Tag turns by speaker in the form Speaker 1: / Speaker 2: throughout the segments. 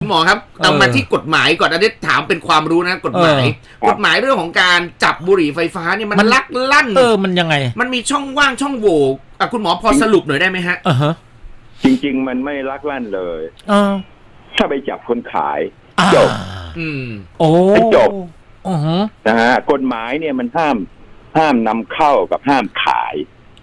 Speaker 1: หมอครับเอามาที่กฎหมายก่อนอันนี้ถามเป็นความรู้นะกฎหมายเรื่องของการจับบุหรี่ไฟฟ้าเนี่ยมันลักลั่น
Speaker 2: มันยังไง
Speaker 1: มันมีช่องว่างช่องโหว่คุณหมอพอสรุปหน่อยได้ไหมฮะ
Speaker 3: จริงๆมันไม่ลักลั่นเลยถ้าไปจับคนขายจบ
Speaker 2: โอ้
Speaker 3: จบนะฮะกฎหมายเนี่ยมันห้ามนำเข้ากับห้ามขาย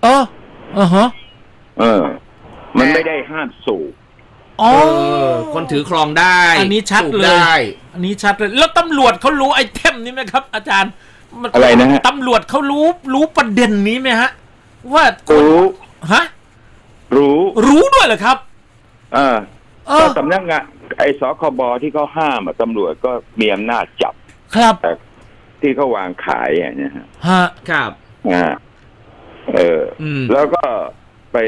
Speaker 3: มันไม่ได้ห้ามสูบ
Speaker 1: คนถือครองได้
Speaker 2: อันนี้ชัดเลยอันนี้ชัดเลยแล้วตำรวจเขารู้ไอเทมนี้ไหมครับอาจารย์
Speaker 3: อะไรนะฮะ
Speaker 2: ตำรวจเขารู้ประเด็นนี้ไหมฮะว่า
Speaker 3: รู้
Speaker 2: ฮะ
Speaker 3: รู้
Speaker 2: ด้วยเหรอครับ
Speaker 3: สำนักงานไอสคบที่เขาห้ามตำรวจก็มีอำนาจจับ
Speaker 2: ครับ
Speaker 3: ที่เขาวางขายเนี่ยฮะ
Speaker 1: ครับ
Speaker 3: แล้วก็ไป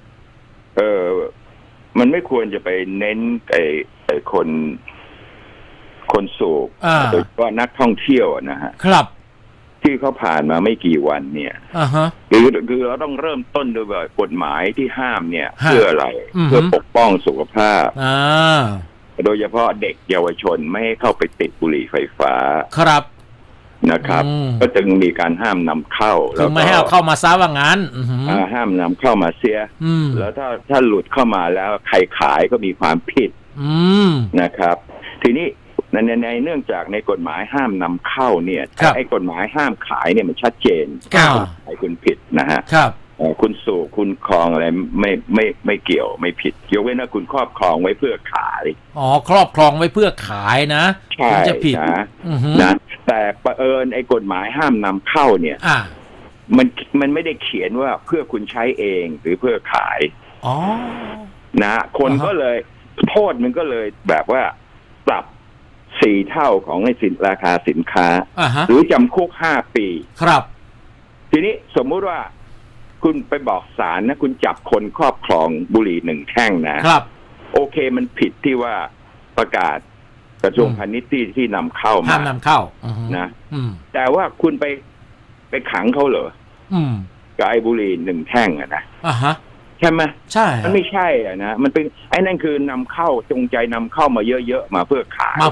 Speaker 3: มันไม่ควรจะไปเน้นไอ้คนสูบโดยเฉพาะนักท่องเที่ยวนะฮะ
Speaker 2: ครับ
Speaker 3: ที่เขาผ่านมาไม่กี่วันเนี่ยคือเราต้องเริ่มต้นด้วยกฎหมายที่ห้ามเนี่ยเพื่ออะไรเพื่อปกป้องสุขภาพโดยเฉพาะเด็กเยาวชนไม่ให้เข้าไปติดบุหรี่ไฟฟ้า
Speaker 2: ครับ
Speaker 3: นะครับก็จึงมีการห้ามนำเข้า
Speaker 2: แล้วไม่ให้เอาเข้ามาซะว่างั้น
Speaker 3: ห้ามนำเข้ามาเสียแล้วถ้าหลุดเข้ามาแล้วใครขายก็มีความผิดนะครับทีนี้ในเนื่องจากในกฎหมายห้ามนำเข้าเนี่ยไอ้กฎหมายห้ามขายเนี่ยมันชัดเจนไอ้คุณผิดนะฮะคุณสูบคุณครองอะไรไม่เกี่ยวไม่ผิดยกเว้นว่าคุณครอบครองไว้เพื่อขาย
Speaker 2: ครอบครองไว้เพื่อขายนะ
Speaker 3: คุณจะผิดนะแต่ประเอิญไอ้กฎหมายห้ามนำเข้าเนี่ยมันไม่ได้เขียนว่าเพื่อคุณใช้เองหรือเพื่อขายนะคนก็เลยโทษมันก็เลยแบบว่าปรับ4 เท่าของไอ้ราคาสินค้าหรือจำคุก5 ปี
Speaker 2: ครับ
Speaker 3: ทีนี้สมมุติว่าคุณไปบอกศาลนะคุณจับคนครอบครองบุหรี่1 แท่งนะครับโอเคมันผิดที่ว่าประกาศกระทรวงพาณิชย์ที่นำเข้ามา
Speaker 2: ห้ามนำเข้า
Speaker 3: นะแต่ว่าคุณไปขังเขาเหรอกับไอ้บุหรี่1 แท่งนะใช่ไหม
Speaker 2: ใช่
Speaker 3: มันไม่ใช่นะมันเป็นไอ้นั่นคือนำเข้าจงใจนำเข้ามาเยอะๆมาเพื่อขาย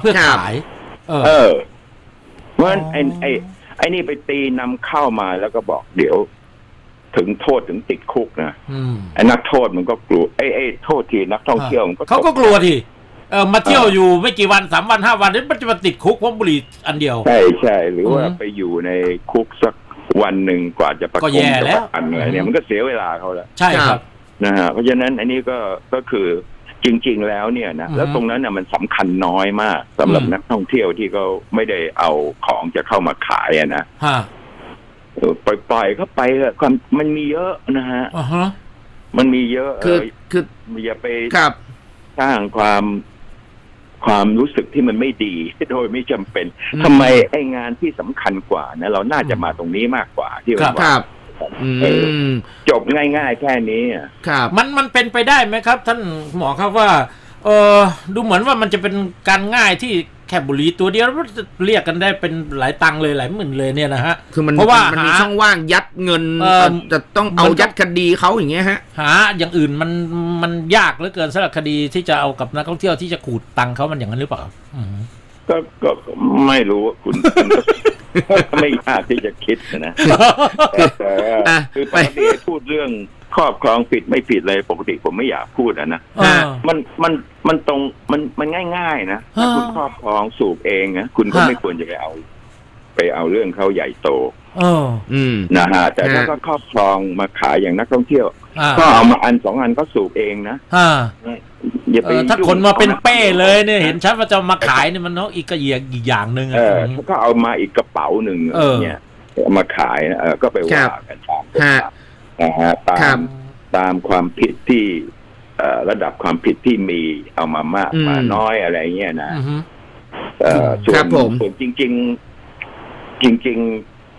Speaker 3: เพราะฉะนั้นไอ้นี่ไปตีนำเข้ามาแล้วก็บอกเดี๋ยวถึงโทษถึงติดคุกนะไอ้นักโทษมันก็กลัวไอ้โทษทีนักท่องเที่ยวมัน
Speaker 2: เขาก็กลัวทีมาเที่ยวอยู่ไม่กี่วัน3 วัน 5 วันนี่มันจะมาติดคุกเพราะบุหรี่อันเดียว
Speaker 3: ใช่หรือว่าไปอยู่ในคุกสักวันหนึ่งกว่าจะประกงจะประกันอะไรเนี่ยมันก็เสียเวลาเขาแล้ว
Speaker 2: ใช่ครับ
Speaker 3: นะฮะเพราะฉะนั้นอันนี้ก็คือจริงๆแล้วเนี่ยนะแล้วตรงนั้นน่ะมันสำคัญน้อยมากสำหรับนักท่องเที่ยวที่เขาไม่ได้เอาของจะเข้ามาขายนะปล่อยเข้าไปความมันมีเยอะนะฮะมันมีเยอะ
Speaker 1: คือ
Speaker 3: อย่าไปสร้างความรู้สึกที่มันไม่ดีโดยไม่จำเป็นทำไมไอ้งานที่สำคัญกว่านะเราน่าจะมาตรงนี้มากกว่าที่ว่าจบง่ายๆแค่นี้
Speaker 2: ครับมันเป็นไปได้ไหมครับท่านหมอครับว่าดูเหมือนว่ามันจะเป็นการง่ายที่แค่บุหรี่ตัวเดียวเรียกกันได้เป็นหลายตังค์เลยหลายหมื่นเลยเนี่ยนะฮะ
Speaker 1: คือเพราะว่ามันมีช่องว่างยัดเงินจะต้องเอายัดคดีเขาอย่างเงี้ยฮะ
Speaker 2: หาอย่างอื่นมันยากเหลือเกินสำหรับคดีที่จะเอากับนักท่องเที่ยวที่จะขูดตังค์เขามันอย่างนั้นหรือเปล่า
Speaker 3: ก็ไม่รู้คุณไม่ยากที่จะคิดนะคือปกติพูดเรื่องครอบครองผิดไม่ผิดเลยปกติผมไม่อยากพูดนะมันตรงมันง่ายๆนะถ้าคุณครอบครองสูบเองนะคุณก็ไม่ควรจะไปเอาเรื่องเขาใหญ่โตนะฮะแต่ถ้าก็ครอบครองมาขายอย่างนักท่องเที่ยวก็เอามา1-2 อันก็สูบเองนะ
Speaker 2: ถ้าคนมาเป็นเป้เลยเนี่ยเห็นชัดว่าจะมาขายเนี่ยมันอีกอย่างหนึ่ง
Speaker 3: ก็เอามาอีกกระเป๋าหนึ่งเนี่ยมาขายก็ไปว่ากันตามนะฮะตามความผิดที่ระดับความผิดที่มีเอามามากมาน้อยอะไรเงี้ยนะส่วนจริง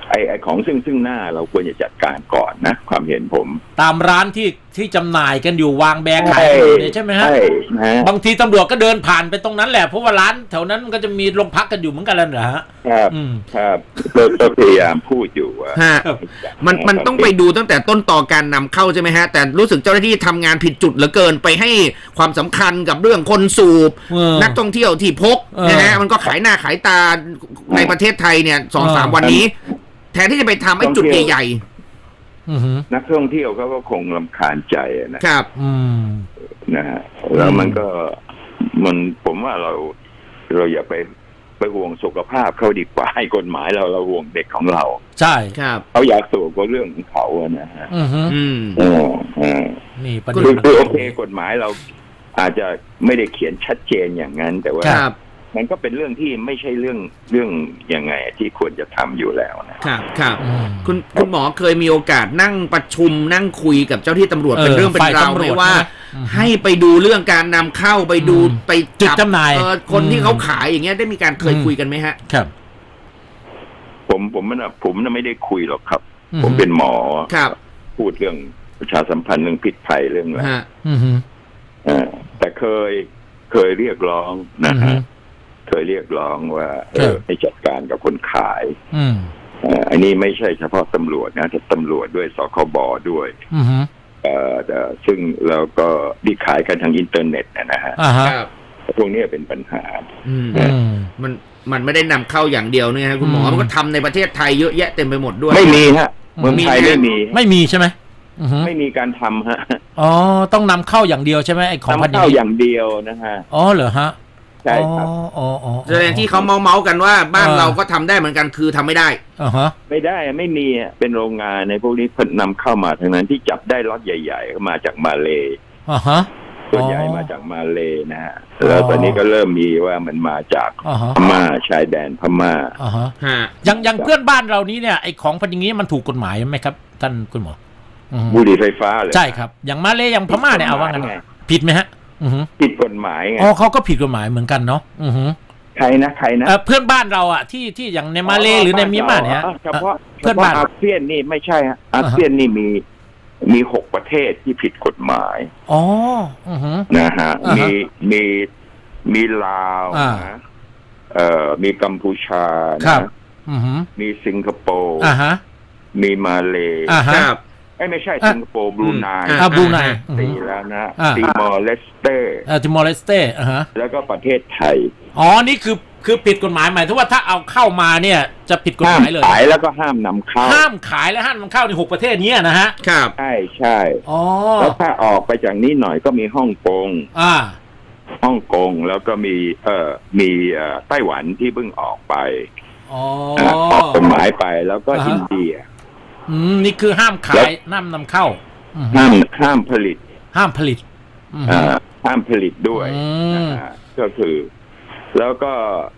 Speaker 3: ไอ้ของซึ่งหน้าเราควรจะจัดการก่อนนะความเห็นผม
Speaker 2: ตามร้านที่จำหน่ายกันอยู่วางแบงขายอยู่เนี่ยใช่ไหมฮะ
Speaker 3: ใช่นะ
Speaker 2: บางทีตำรวจก็เดินผ่านไปตรงนั้นแหละเพราะว่าร้านแถวนั้นมันก็จะมีโรงพักกันอยู่เหมือนกันแล้วนะฮะ
Speaker 3: ครับ
Speaker 2: อืม
Speaker 3: ครับก็พยายามพูดอยู่ว่า
Speaker 1: ฮะมันต้องไปดูตั้งแต่ต้นต่อการนำเข้าใช่ไหมฮะแต่รู้สึกเจ้าหน้าที่ทำงานผิดจุดเหลือเกินไปให้ความสำคัญกับเรื่องคนสูบ นักท่องเที่ยวที่พกนะฮะมันก็ขายหน้าขายตาในประเทศไทยเนี่ย2-3 วันนี้ แทนที่จะไปทำไอ้จุดใหญ่
Speaker 2: อือฮึ
Speaker 3: นักท่องเที่ยวเขาก็คงรำคาญใจนะครับ
Speaker 2: อืม
Speaker 3: นะฮะแล้วมันผมว่าเราอย่าไปห่วงสุขภาพเขาดีกว่าให้กฎหมายเราห่วงเด็กของเรา
Speaker 2: ใช่
Speaker 1: ๆครับ
Speaker 3: เขาอยากสูบก็เรื่องของเขาอะนะฮะ
Speaker 2: อือฮึ
Speaker 1: อืม
Speaker 2: นี่ประ
Speaker 3: คื
Speaker 2: เด็น
Speaker 3: อโอเคกฎหมายเราอาจจะไม่ได้เขียนชัดเจนอย่างนั้น แต่ว่า
Speaker 1: ครับ
Speaker 3: มันก็เป็นเรื่องที่ไม่ใช่เรื่องยังไงที่ควรจะทำอยู่แล้วนะครับ
Speaker 1: ครับ
Speaker 2: อืม
Speaker 1: คุณหมอเคยมีโอกาสนั่งประชุมนั่งคุยกับเจ้าที่ตำรวจเป็นเรื่องเป็นราวไหมว่า ให้ไปดูเรื่องการนำเข้าไปดูไป
Speaker 2: จุดจำหน่าย
Speaker 1: คนที่เขาขายอย่างเงี้ยได้มีการเคยคุยกันไหมฮะ
Speaker 2: ครับ
Speaker 3: ผมไม่ได้คุยหรอกครับ
Speaker 2: อืม
Speaker 3: ผมเป็นหมอ
Speaker 1: ครับ
Speaker 3: พูดเรื่องประชาสัมพันธ์เรื่องพิษภัยเรื่องอะไร
Speaker 1: ฮะ
Speaker 2: อือฮึ
Speaker 3: แต่เคยเรียกร้องนะ
Speaker 2: อือฮึ
Speaker 3: ฮะเคยเรียกร้องว่า
Speaker 2: ครับ
Speaker 3: ให้จัดการกับคนขาย
Speaker 2: อืม
Speaker 3: อันนี้ไม่ใช่เฉพาะตำรวจนะแต่ตำรวจด้วยสคบด้วย
Speaker 2: อือฮึ
Speaker 3: แต่ซึ่งเราก็ที่ขายกันทางอินเทอร์เน็ตนะฮะ
Speaker 2: อ่าฮะ
Speaker 1: ครับ
Speaker 3: พวกนี้เป็นปัญหา
Speaker 1: อืม
Speaker 2: อืม
Speaker 1: มันไม่ได้นำเข้าอย่างเดียวเนี่ยฮะคุณหมอ
Speaker 2: อืม
Speaker 1: มันก็ทำในประเทศไทยเยอะแยะเต็มไปหมดด้วย
Speaker 3: ไม่มีฮะเมืองไทยไม่มี
Speaker 2: ไม่มีใช่ไหมอือฮึ
Speaker 3: ไม่มีการทำฮะ
Speaker 2: อ๋อต้องนำเข้าอย่างเดียวใช่ไหมไอ้ของพัน
Speaker 3: นำ
Speaker 2: ธุ์
Speaker 3: เข้าอย่างเดียวนะฮะ
Speaker 2: อ๋อเหรอฮะ
Speaker 3: ใช่ครับ
Speaker 2: อ๋อ
Speaker 1: แสดงที่เขาเมาส์กันว่าบ้านเราก็ทำได้เหมือนกันคือทำไม่ได้
Speaker 2: อ่าฮะ
Speaker 3: ไม่ได้ไม่มีอะเป็นโรงงานในพวกนี้เพิ่นนำเข้ามาทั้งนั้นที่จับได้ล็อตใหญ่ๆก็มาจากมาเลย์
Speaker 2: อ่าฮะ
Speaker 3: ส่วนใหญ่มาจากมาเลย์นะฮะแล้วตอนนี้ก็เริ่มมีว่ามันมาจาก
Speaker 2: อ่าฮะ
Speaker 3: พม่าชายแดนพม่า
Speaker 2: อ่าฮะ
Speaker 1: ฮะ
Speaker 2: อย่างเพื่อนบ้านเรานี้เนี่ยไอ้ของพันธุ์อย่างนี้มันถูกกฎหมายไหมครับ ท่านคุณหมออือฮึ
Speaker 3: บุหรี่ไฟฟ้าเลย
Speaker 2: ใช่ครับ อย่างมาเลอย่างพม่าเนี่ยเอาว่างั้น
Speaker 3: ไง
Speaker 2: ผิดไหมฮะ อือฮึ
Speaker 3: ผิดกฎหมายไง
Speaker 2: อ๋อเขาก็ผิดกฎหมายเหมือนกันเนาะอือฮึ
Speaker 3: ใครนะ
Speaker 2: เพื่อนบ้านเราอ่ะที่อย่างในมาเลหรือในเมียนมาเนี่ย
Speaker 3: เฉพาะ
Speaker 2: เพื่อนบ้าน
Speaker 3: อาเซียนนี่ไม่ใช่ฮะอาเซียนนี่มี6 ประเทศที่ผิดกฎหมาย
Speaker 2: อ๋ออือฮึ
Speaker 3: นะฮะ
Speaker 2: อ่าฮะ
Speaker 3: มีลาว
Speaker 2: อ่า
Speaker 3: นะมีกัมพูชา
Speaker 2: ครับ
Speaker 3: นะ
Speaker 2: อือฮึ
Speaker 3: มีสิงคโปร์
Speaker 2: อ่าฮะ
Speaker 3: มีมาเล
Speaker 2: อ่าฮะ
Speaker 1: ครับ
Speaker 3: ไม่ใช่
Speaker 2: อ่ะ
Speaker 3: สิงคโปร์บรูไน
Speaker 2: อ่าบรูไน
Speaker 3: ตีแล้วนะ
Speaker 2: อ่า
Speaker 3: ติมอร์เลสเตอร์
Speaker 2: ติมอร์เลสเต้อ่าฮะ
Speaker 3: แล้วก็ประเทศไทย
Speaker 2: อ๋อนี่คือผิดกฎหมายหมายถึงว่าถ้าเอาเข้ามาเนี่ยจะผิดกฎ
Speaker 3: ห้า
Speaker 2: ห
Speaker 3: ม
Speaker 2: มายเลย
Speaker 3: ขายแล้วก็ห้ามนำเข้า
Speaker 2: ห้ามขายและห้ามนำเข้าใน6 ประเทศเนี้ยนะฮะ
Speaker 1: ครับ
Speaker 3: ใช่
Speaker 2: อ๋อ
Speaker 3: แล้วถ้าออกไปจากนี้หน่อยก็มีฮ่องกง ฮ่องกงแล้วก็มีไต้หวันที่เพิ่งออกไป
Speaker 2: อ๋อ
Speaker 3: ออกกฎหมายไปแล้วก็
Speaker 2: อ่าฮะ
Speaker 3: อินเดีย
Speaker 2: นี่คือห้ามขายห้ามนำเข้าอืม
Speaker 3: ห้ามผลิต
Speaker 2: ห้ามผลิตอืม
Speaker 3: ห้ามผลิตด้วย
Speaker 2: อืม
Speaker 3: นะฮะก็คือ แล้วก็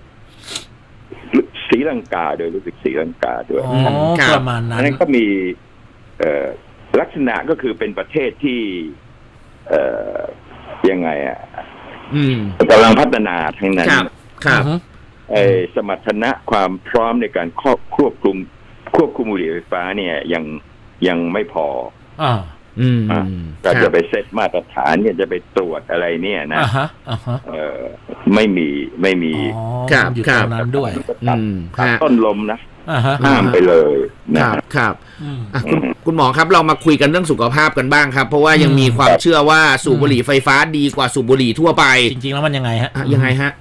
Speaker 3: ศรีลังกาโดยรู้สึกศรีลังกาด้วย
Speaker 2: อ๋อ
Speaker 1: ครับ
Speaker 2: ประมาณนั้
Speaker 3: อัน
Speaker 2: น
Speaker 3: นั้นก็มีลักษณะก็คือเป็นประเทศที่ยังไงอ่ะ
Speaker 1: อืม
Speaker 3: กำลังพัฒนาทั้งนั้น
Speaker 1: ครับครับ
Speaker 2: อือฮึ
Speaker 3: สมรรถนะความพร้อมในการควบคุมบุหรี่ไฟฟ้าเนี่ยยังไม่พอ
Speaker 2: อ่า
Speaker 1: อืม
Speaker 3: ก็จะไปเซตมาตรฐานเนี่ยจะไปตรวจอะไรเนี่ยนะ
Speaker 2: อ่าฮะ
Speaker 3: ไม่มี
Speaker 2: อ๋อ
Speaker 1: ครับ
Speaker 2: อยู่
Speaker 1: ค
Speaker 2: ต
Speaker 1: รับ
Speaker 2: รงนั้นด้วย
Speaker 1: อืม
Speaker 3: ตัด
Speaker 1: ฮะ
Speaker 3: ต้นลมนะ
Speaker 2: อ่าฮะ
Speaker 3: ห้ามไปเลย
Speaker 1: ค
Speaker 3: นะ
Speaker 1: รับครับ
Speaker 2: อืม
Speaker 1: อ่ะคุณหมอครับเรามาคุยกันเรื่องสุขภาพกันบ้างครับ เพราะว่ายังมีความ
Speaker 3: ครับ
Speaker 1: เชื่อว่าสูบบุหรี่ไฟฟ้าดีกว่าสูบบุหรี่ทั่วไป
Speaker 2: จริงๆแล้วมันยังไงฮะ
Speaker 1: อ่ะยังไงฮะ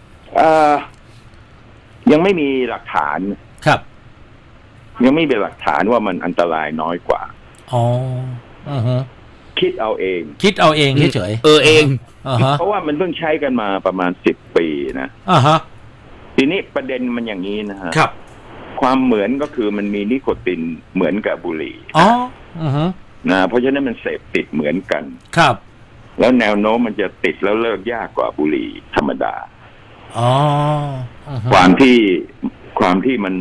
Speaker 3: ยังไม่มีหลักฐาน
Speaker 2: ครับ
Speaker 3: ยังไม่มีหลักฐานว่ามันอันตรายน้อยกว่า
Speaker 2: อ๋ออือฮึ
Speaker 3: คิดเอาเอง
Speaker 2: คิดเอาเองเฉย
Speaker 1: เอง
Speaker 2: ๆอ่าฮะ
Speaker 3: เพราะว่ามันเพิ่งใช้กันมาประมาณ10 ปีนะ
Speaker 2: อ่าฮะ
Speaker 3: ทีนี้ประเด็นมันอย่างนี้นะฮะ
Speaker 2: ครับ
Speaker 3: ความเหมือนก็คือมันมีนิโคตินเหมือนกับบุหรี่
Speaker 2: อ๋ออือฮึ
Speaker 3: นะเพราะฉะนั้นมันเสพติดเหมือนกัน
Speaker 2: ครับ
Speaker 3: แล้วแนวโน้มมันจะติดแล้วเลิกยากกว่าบุหรี่ธรรมดา
Speaker 2: อ๋ออือฮึ
Speaker 3: ความที่มัน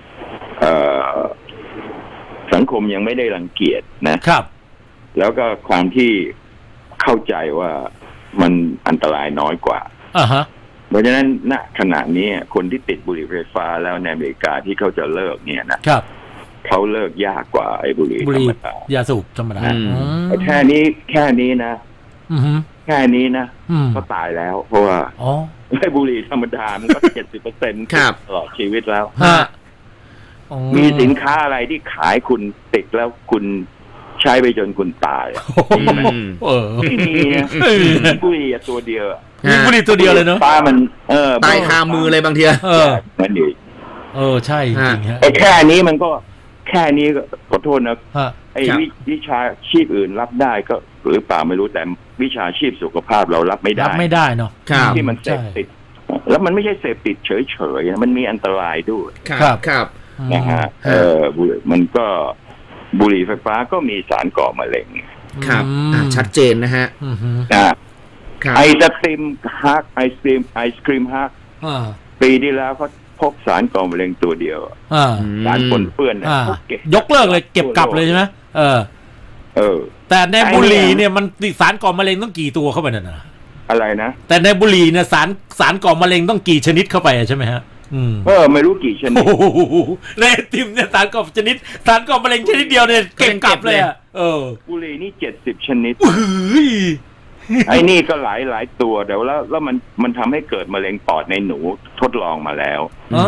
Speaker 3: สังคมยังไม่ได้รังเกียจนะ
Speaker 2: ครับ
Speaker 3: แล้วก็ความที่เข้าใจว่ามันอันตรายน้อยกว่า
Speaker 2: อ่าฮะ
Speaker 3: เพราะฉะนั้นณขณะนี้คนที่ติดบุหรี่ไฟฟ้าแล้วในอเมริกาที่เขาจะเลิกเนี่ยนะครับ เขาเลิกยากกว่าไอ้บุหรี่
Speaker 2: บุ
Speaker 3: ธ
Speaker 2: ห
Speaker 3: ร
Speaker 2: รี่
Speaker 3: รมดา
Speaker 2: ยาสูบธรรมดา
Speaker 3: แค่นี้นะ
Speaker 2: อือฮึ
Speaker 3: แค่นี้นะ
Speaker 2: อืม
Speaker 3: ก็ตายแล้ว เพราะว่า
Speaker 2: อ๋อ
Speaker 3: ไอ้บุหรี่ธรรมดามันก็ 70%
Speaker 1: ครับ
Speaker 3: ตลอดชีวิตแล้ว
Speaker 2: ฮะอ๋อ
Speaker 3: มีสินค้าอะไรที่ขายคุณติดแล้วคุณใช้ไปจนคุณตายอะ
Speaker 1: อืม
Speaker 2: เออ
Speaker 3: ไม่มีนะบุหรี่อะตัวเดียวอะ
Speaker 2: มีบุหรี่ตัวเดียวเลยเนาะ
Speaker 3: ป้ามัน
Speaker 1: ตายคามือเลยบางที
Speaker 2: เออ
Speaker 3: นั่นเอง
Speaker 2: ใช่จริงๆฮะ
Speaker 3: ไอ้แค่นี้มันก็แค่นี้ก็ขอโทษนะ
Speaker 2: ฮะ
Speaker 3: ไอ้
Speaker 1: ครับ
Speaker 3: วิชาชีพอื่นรับได้ก็หรือเปล่าไม่รู้แต่วิชาชีพสุขภาพเรารับไม่
Speaker 2: รั
Speaker 3: ได้
Speaker 2: บไม่ได้เนาะ
Speaker 1: ครับ
Speaker 3: ที่มันเสพติด แล้วมันไม่ใช่เสพติดเฉยๆนะมันมีอันตรายด้วย
Speaker 1: ครับครับ
Speaker 3: นะฮะบุหรี่มันก็บุหรี่ไฟฟ้าก็มีสารก่อมะเร็ง
Speaker 1: ครับชัดเจนนะฮะ
Speaker 2: อือฮึ
Speaker 1: ครับ
Speaker 3: ไอศครีมฮักไอศครีมฮัก
Speaker 2: อ่า
Speaker 3: ปีที่แล้วเขาพบสารก่อมะเร็งตัวเดียว
Speaker 2: อ่า
Speaker 3: สารปนเปื้อนเนี่ย
Speaker 2: อ่า
Speaker 3: เขาเก็บ
Speaker 2: ยกเลิกเลยเก็บกลับเลยใช่ไหม
Speaker 3: เออ
Speaker 2: แต่ในบุหรี่เนี่ยมันติดสารก่อมะเร็งต้องกี่ตัวเข้าไปน่ะนะ
Speaker 3: อะไรนะ
Speaker 2: แต่ในบุหรี่เนี่ยสารก่อมะเร็งต้องกี่ชนิดเข้าไปใช่ไหมฮะ
Speaker 3: ไม่รู้กี่ชนิด
Speaker 2: โอ้โหในไอติมเนี่ยสารก่อมะเร็งชนิดเดียวเนี่ยเก็บกลับเลยอ่ะ
Speaker 3: บุหรี่นี่70 ชนิด
Speaker 2: เฮ้ย
Speaker 3: ไอ้นี่ก็หลายตัวเดี๋ยวแล้วมันทำให้เกิดมะเร็งปอดในหนูทดลองมาแล้ว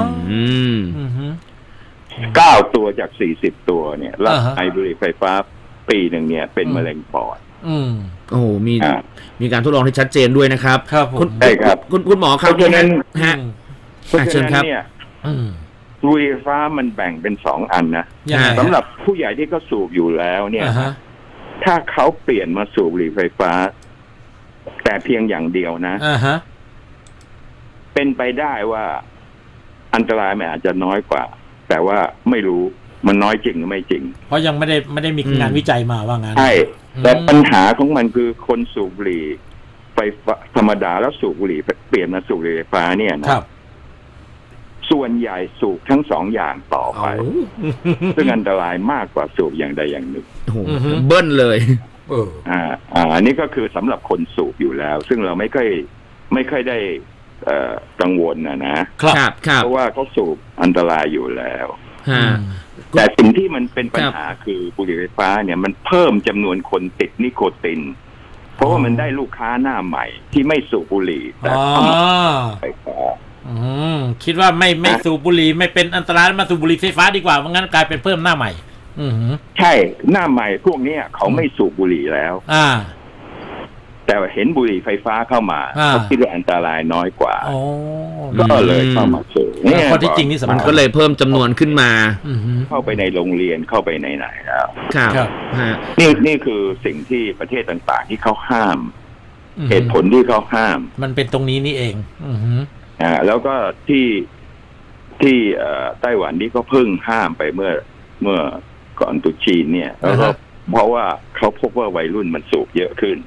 Speaker 3: 9 ตัวจาก40 ตัวเนี่ยแล้วไอบุหรี่ไฟฟ้าปีหนึ่งเนี่ยเป็นมะเร็งปอด
Speaker 1: โอ้มีการทดลองที่ชัดเจนด้วยนะครับ
Speaker 2: ครับผม
Speaker 3: ใช่ครับ
Speaker 1: คุณหมอครับ
Speaker 3: เพราะฉะนั้น
Speaker 1: ฮะ
Speaker 3: เพราะฉะนั้น
Speaker 1: เชิญครับ
Speaker 3: เนี่ยบุหรี่ไฟฟ้ามันแบ่งเป็น2 อันนะ
Speaker 2: ยังไงฮะ
Speaker 3: สำหรับผู้ใหญ่ที่เขาสูบอยู่แล้วเนี่ย
Speaker 2: อ่าฮะ
Speaker 3: ถ้าเขาเปลี่ยนมาสูบบุหรี่ไฟฟ้า แต่เพียงอย่างเดียวนะ
Speaker 2: อ่าฮะ
Speaker 3: เป็นไปได้ว่าอันตรายมันอาจจะน้อยกว่า แต่ว่าไม่รู้มันน้อยจริงหรือไม่จริง
Speaker 2: เพราะยังไม่ได้มีงานวิจัยมาว่างั้น
Speaker 3: ใช่แต่ปัญหาของมันคือคนสูบบุหรี่ไฟฟ้าธรรมดาแล้วสูบบุหรี่เปลี่ยนมาสูบบุหรี่ไฟฟ้าเนี่ยนะครับ ส่วนใหญ่สูบทั้ง2 อย่างต่อไป ซึ่งอันตรายมากกว่าสูบอย่างใดอย่างหนึ่ง
Speaker 1: โอ้โหเบิ้ลเลย
Speaker 3: อันนี้ก็คือสำหรับคนสูบอยู่แล้ว ซึ่งเราไม่ค่อยได้กังวลนะครับเพราะว่าเขาสูบอันตรายอยู่แล้วแต่สิ่งที่มันเป็นปัญหาคือบุหรี่ไฟฟ้าเนี่ยมันเพิ่มจำนวนคนติดนิโคติน เพราะว่ามันได้ลูกค้าหน้าใหม่ที่ไม่สูบบุหรี่แต่เข้ามาไฟฟ้า
Speaker 2: คิดว่าไม่สูบบุหรี่ไม่เป็นอันตรายมาสูบบุหรี่ไฟฟ้าดีกว่าเพราะงั้นกลายเป็นเพิ่มหน้าใหม่
Speaker 3: ใช่หน้าใหม่พวกนี้เขาไม่สูบบุหรี่แล้วแต่เห็นบุหรี่ไฟฟ้าเข้ามาเขาคิดว่าอันตรายน้อยกว่าก็เลยเข้ามาสูบ
Speaker 2: เนี่ยข้อที่จริงนี่สำคัญ
Speaker 1: มันก็เลยเพิ่มจำนวนขึ้นมา
Speaker 3: เข้าไปในโรงเรียนเข้าไปในไหนแล้ว
Speaker 1: ครับ
Speaker 3: นี่คือสิ่งที่ประเทศต่างๆที่เขาห้ามเหตุผลที่เขาห้าม
Speaker 2: มันเป็นตรงนี้นี่เอง
Speaker 3: แล้วก็ที่ไต้หวันนี่ก็เพิ่งห้ามไปเมื่อก่อนตรุษจีนเนี่ยแล้วก็เพราะว่าเขาพบว่าวัยรุ่นมันสูบเยอะขึ้น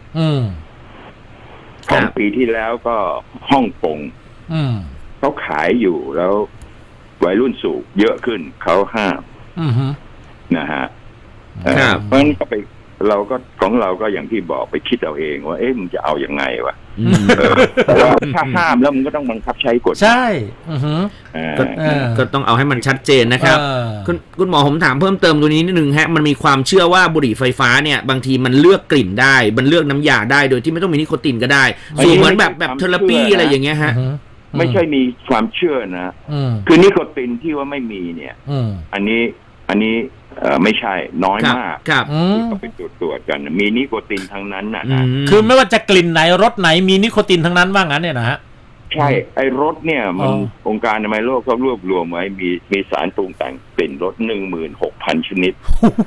Speaker 3: ของปีที่แล้วก็ฮ่องกงเขาขายอยู่แล้ววัยรุ่นสูบเยอะขึ้นเขาห้ามนะฮะเพราะฉะนั้นเราก็ของเราก็อย่างที่บอกไปคิดเอาเองว่ามึงจะเอาอย่างไงวะแต่ว่าถ้าห้ามแล้วมันก็ต้องบังคับใช้กฎ
Speaker 2: ใช่
Speaker 1: ก็ต้องเอาให้มันชัดเจนนะครับคุณหมอผมถามเพิ่มเติมตัวนี้นิดนึงฮะมันมีความเชื่อว่าบุหรี่ไฟฟ้าเนี่ยบางทีมันเลือกกลิ่นได้มันเลือกน้ำยาได้โดยที่ไม่ต้องมีนิโคตินก็ได้สูบเหมือนแบบเทอราปีอะไรอย่างเงี้ยฮะ
Speaker 3: ไม่ใช่มีความเชื่อนะคือนิโคตินที่ว่าไม่มีเนี่ยอันนี้ไม่ใช่น้อยมากที่เขาไปตรวจกันมีนิโคตินทั้งนั้นนะ
Speaker 2: คือไม่ว่าจะกลิ่นไหนรสไหนมีนิโคตินทั้งนั้นว่างั้นเนี่ยนะฮะ
Speaker 3: ใช่ไอ้รสเนี่ยมันองค์การอนามัยโลกเขารวบรวมไว้มีสารปรุงแต่งกลิ่นรส 16,000 ชนิด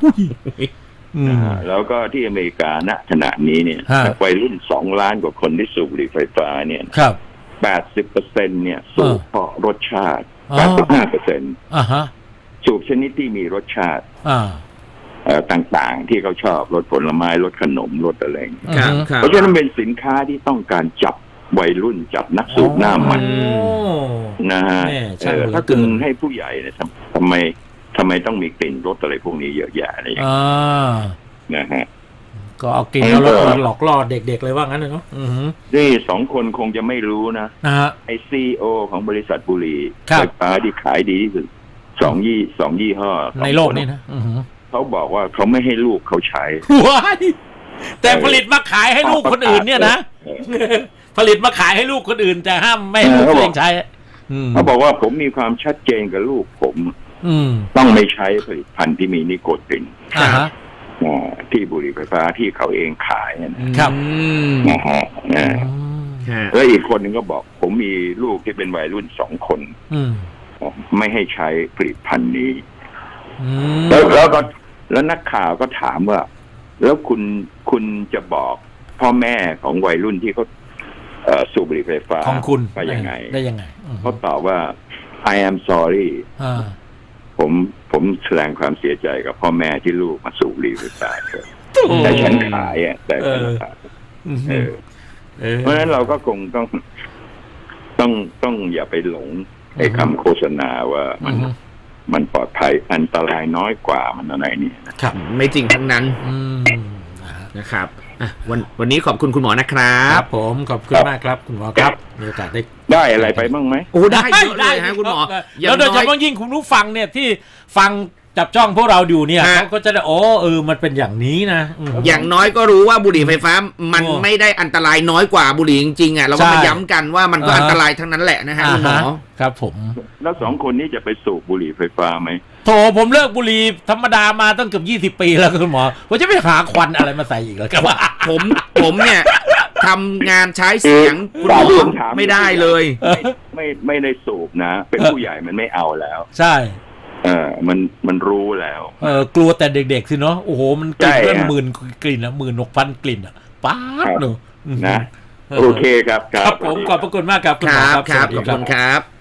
Speaker 3: แล้วก็ที่อเมริกาณขณะนี้เนี่ยวัยรุ่น2 ล้านกว่าคนที่สูบบุหรี่ไฟฟ้าเนี่ย80% เนี่ยสูบเพราะรสชาติ 85%สูบชนิดที่มีรสชาติต่างๆที่เขาชอบรสผลไม้รสขนมรสอะไรเพราะฉะนั้นเป็นสินค้าที่ต้องการจับวัยรุ่นจับนักสูบหน้าใหม่นะฮะถ้าคุณให้ผู้ใหญ่เนี่ยทำไมต้องมีกลิ่นรสอะไรพวกนี้เยอะแยะอะไรอย่างเงี้ยนะฮะ
Speaker 2: ก็เอากลิ่นเอารสมาหลอกล่อเด็กๆเลยว่างั้นเลยเนาะ
Speaker 3: นี่2 คนคงจะไม่รู้นะไอCEOของบริษัทบุหรี่ไฟฟ้าที่ขายดีที่สุด2 ยี่ห้อ
Speaker 2: ในโลกนี่นะ
Speaker 3: เขาบอกว่าเขาไม่ให้ลูกเขาใช้
Speaker 2: แต่ผลิตมาขายให้ลูกคนอื่นเนี่ยนะผลิตมาขายให้ลูกคนอื่นแต่ห้ามไม่ให้ลูกตัวเองใช้
Speaker 3: เขาบอกว่าผมมีความชัดเจนกับลูกผมต้องไม่ใช้ผลิตภัณฑ์ที่มีนิโคตินที่บุหรี่ไฟฟ้าที่เขาเองขาย
Speaker 2: นะครับ
Speaker 3: นะฮะแล้วอีกคนหนึ่งก็บอกผมมีลูกที่เป็นวัยรุ่น2 คนไม่ให้ใช้ผลิตภัณฑ์นี้แล้วนักข่าวก็ถามว่าแล้วคุณจะบอกพ่อแม่ของวัยรุ่นที่เขาสูบบุหรี่ไฟฟ้า
Speaker 2: ของคุณ
Speaker 3: ไปยังไง
Speaker 2: ได้ยังไง
Speaker 3: เขาตอบว่า I am sorry ผมแสดงความเสียใจกับพ่อแม่ที่ลูกมาสูบบุหรี่ไฟฟ้าแต่ฉันขายแต่ฉันขายเพราะฉะนั้นเราก็คงต้องอย่าไปหลงไอ้คำโฆษณาว่ามันปลอดภัยอันตรายน้อยกว่ามันอะไรนี่
Speaker 1: นะครับไม่จริงทั้งนั้นนะครับวันนี้ขอบคุณคุณหมอนะครับ
Speaker 2: ผมขอบคุณมากครับคุณหมอครับมีโอกาส
Speaker 3: ได้อะไรไปบ้างไหม
Speaker 1: โอ้ได้เยอะเลยฮะคุณหมอ
Speaker 2: แล้วโดยเฉพาะยิ่งคุณผู้ฟังเนี่ยที่ฟังจับจ้องพวกเราอยู่เนี่ยเขาก็จะได้มันเป็นอย่างนี้นะ
Speaker 1: อย่างน้อยก็รู้ว่าบุหรี่ไฟฟ้ามันไม่ได้อันตรายน้อยกว่าบุหรี่จริงๆเราก็มาย้ำกันว่ามันก็อันตรายทั้งนั้นแหละนะฮะคุณหมอ
Speaker 2: ครับผม
Speaker 3: แล้ว2 คนนี้จะไปสูบบุหรี่ไฟฟ้าไหม
Speaker 2: โถผมเลิกบุหรี่ธรรมดามาตั้งเกือบ20 ปีแล้วคุณหมอผมจะไปหาควันอะไรมาใส่อีกแล้วครับ
Speaker 1: ผมเนี่ยทำงานใช้เสียงคุณหมอไม่ได้เลย
Speaker 3: ไม่ได้สูบนะเป็นผู้ใหญ่มันไม่เอาแล้ว
Speaker 2: ใช่
Speaker 3: มันรู้แล้ว
Speaker 2: กลัวแต่เด็กๆสิเนาะโอ้โหมันกลิ่นเป็น10,000 กลิ่นนะ16,000 กลิ่นอ่ะป๊าดเนอะ
Speaker 3: นะโอเคครับ
Speaker 2: ครับผมขอบพระคุณมากครับคุณหมอครับ
Speaker 1: ขอบคุณครับ